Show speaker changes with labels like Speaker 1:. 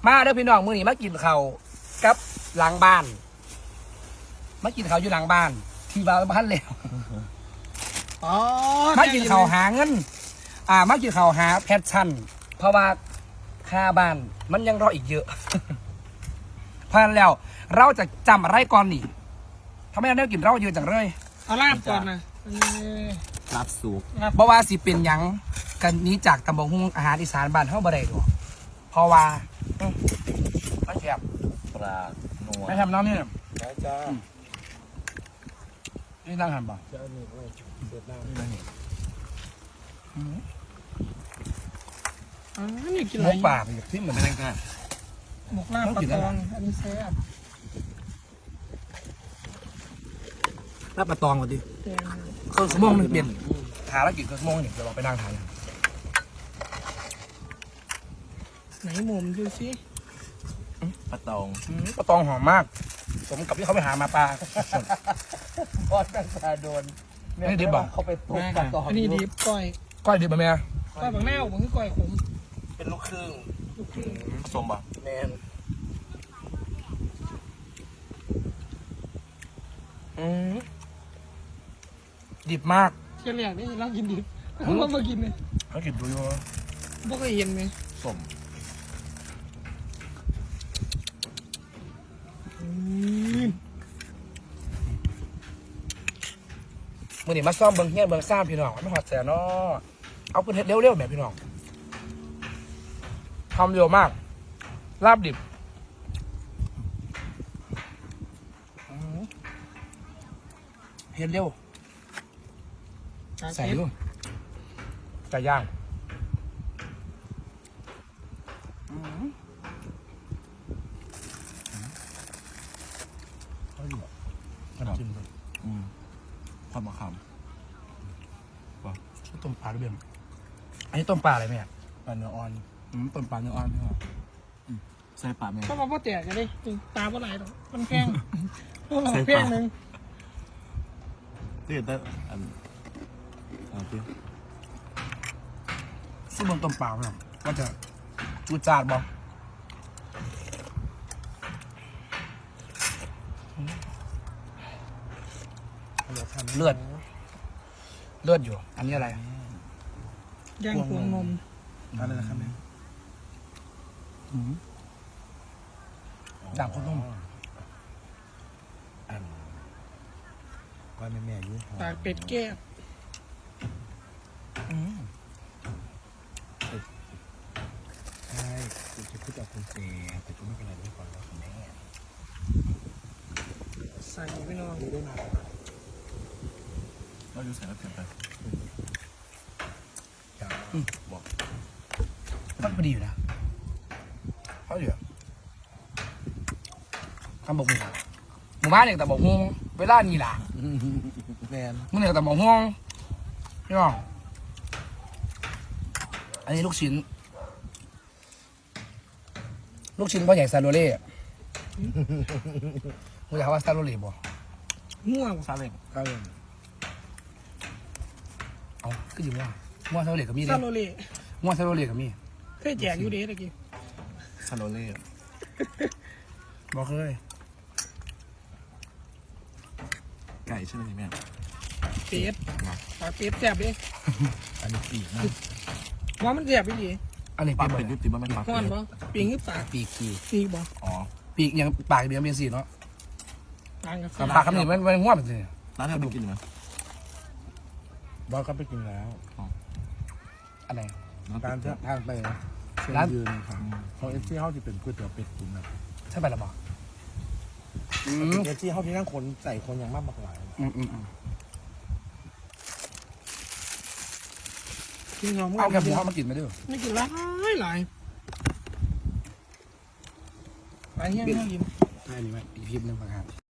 Speaker 1: มาเด้อพี่น้องมื้อนี้มากินข้าวกับหลังบ้านมากินข้าวอยู่หลังบ้านที่บ้านแล้ว
Speaker 2: อ๋อ
Speaker 1: มากินข้าวหาเงินมากินข้าวหาแพชชั่นเพราะว่าค่าบ้านมันยังรออีกเยอะ เพราะฉะนั้นแล้วเราจะจำอะไรก่อนนี่ทำไมเราได้กินเราเยอะจังเลย
Speaker 2: เอาลาบก่อนนะ
Speaker 3: รับสุก
Speaker 1: เพราะว่าสิเป็นหยังกันนี้จากตำบลหุ้งอาหารอีสานบ้านเฮาบ่ได้ดอกเพราะว่ามันแซ่บ
Speaker 3: ปลาหนัว
Speaker 1: ไม่ทำน้ำนี่
Speaker 3: ได้จ้า
Speaker 1: นี่นั่งหันบ่
Speaker 3: จะนี่ไว้เดือดน้ำนี่
Speaker 2: นี่กิน
Speaker 1: ห
Speaker 2: อะ
Speaker 1: ม
Speaker 2: ไร
Speaker 1: กป่าไปที่เหมือนนั่งกัน
Speaker 2: หมกลาบปลาตองอันนี้แซ่บ
Speaker 1: ลาบปลาตองก่อนดิ
Speaker 2: แกง
Speaker 1: เครื่องสมองนึงเปลี่ยนหาแล้วกินเครื่องสมองนี่เดี๋ยวเราไปนั่งทานกัน
Speaker 2: ไหนหมุมดูสิ
Speaker 3: ปลาตอง
Speaker 1: ปลาตองหอมมากสมกับที่เขาไปหามาปลา
Speaker 3: ทอดตั้งแต่โดน
Speaker 1: นี่ดิบบ่
Speaker 3: เขาไปปลูกปลาตอง
Speaker 2: อันนี้ดีก้อย
Speaker 1: ก้อยดิบบ่แม่
Speaker 2: ก้อยบางแนวบางคือก้อยขม
Speaker 1: เป็นลูกครึ่ง
Speaker 2: ลูกครึ่ง
Speaker 3: ผสมป่ะ
Speaker 1: แมนดิบมาก
Speaker 2: เที่ยวแรกนี่เรากินดิบเรามากินเลย
Speaker 1: เขากินดูอยู่
Speaker 2: บ่เคยเห็นเลย
Speaker 3: สม
Speaker 1: มื่อนี้มาซ่อมเบิ้งเฮียนเบิ้งซ่ามพี่น้องไม่หอดแสนเนาะเอาเป็นเฮ็ดเร็วๆแบบพี่น้องทำเร็วมากลาบดิบเฮ็ดเร็วใส่ดูไก่ย่างเขาอยู่จิ้มเลย
Speaker 3: ความมะขาม
Speaker 1: ชื่อต้มปลาด้วยเบี้ยอันนี้ต้มปลาอะไรแม่
Speaker 3: ปลาเนื้ออ่อน
Speaker 1: ต้มปลาเนื้ออ่อนพี่น้อง
Speaker 3: ใส่ปลาแม่
Speaker 2: ก็มาพ่อแตกกันเลยตาบ่ไหลหรอกมันแพงแพงนึง
Speaker 3: ที่ได้อันพี่
Speaker 1: ซึ่งเบิ้งต้มปลาพี่น้องว่าจะจูดจาดบ่เลือดอยู่ อันนี้อะไร
Speaker 2: ย่างพวงนม
Speaker 3: อะไรนะครับแม่
Speaker 1: ด่างโคตรนุ่ม
Speaker 3: อันก้อยแม่ยุ่ง
Speaker 2: ปากเป็ดแก้ว
Speaker 3: ใช่คุณจะพูดกับคุณเจแต่ก็ไม่เป็นไรด้วยก่อนแล้วคุณแม่
Speaker 2: ใส่ไปนอน
Speaker 3: ได้มาเราอยู่ใส่แล้วเกินไปบอก
Speaker 1: มันพอดีอยู่นะเขาเหลือทำบอกหมู่บ้านเนี่ยแต่บอกฮวงเวลานี่ล่ะ
Speaker 3: แมน
Speaker 1: มึงเนี่ยแต่บอกฮวงพี่น้องอันนี้ลูกชิ้นพ่อใหญ่ซาโรเล่มึงอยากว่าซาโรเล่บ่
Speaker 2: ม่วง
Speaker 3: ซาเล้ง
Speaker 1: ก็เลยเอาก็อยู่ว่าซาโรเล่ก็มีดิ
Speaker 2: ซาโลเล่
Speaker 1: ว่าซาโรเล่ก็มี
Speaker 2: เคยแจกอยู่เด้ตะกี้
Speaker 3: ซาโลเล่
Speaker 1: บอกเคย
Speaker 3: ไก่ใช่ไหมแม่
Speaker 2: เป็ดปากเป็ดแซ่บดิ
Speaker 3: อันนี้ปีกนะ
Speaker 2: ว่ามันแซ่บไปดิ
Speaker 1: อันนี้
Speaker 3: ปลา
Speaker 1: เป็น
Speaker 3: เป็ดยุติมันเป็นปลา
Speaker 2: ฮ้อน
Speaker 3: เป็ด
Speaker 2: บ่ปีงคือปาก
Speaker 1: ปีก
Speaker 2: ปีกบ่
Speaker 3: อ๋อ
Speaker 1: ปีกยังปากเดียวเป็นสีเนาะ
Speaker 2: ต่างกับ
Speaker 1: กับปากคำนี้มันง่วงเป็นสี
Speaker 3: ร้านนี้ไปกินไหม
Speaker 4: บอสก็ไปกินแล้ว
Speaker 1: อันไหน
Speaker 4: การทางไปนะเชิญ
Speaker 1: ร้าน
Speaker 4: ยืนครับของเอฟซีเฮาที่เป็นก๋วยเตี๋ยวเป็ดตุ๋นนะ
Speaker 1: ใช่ไปแล้วบอก
Speaker 4: เอฟซีเฮาที่นั่งคนใส่คนอย่างมากหลาย
Speaker 2: กินหอม
Speaker 1: เอาแค่หมูเขามากินไปด้วย
Speaker 2: ไม่กินหลายหลายไปเฮี้ยนเฮี้ยน
Speaker 1: ใช่นี่ไหมอีกคลิปหนึงนะครับ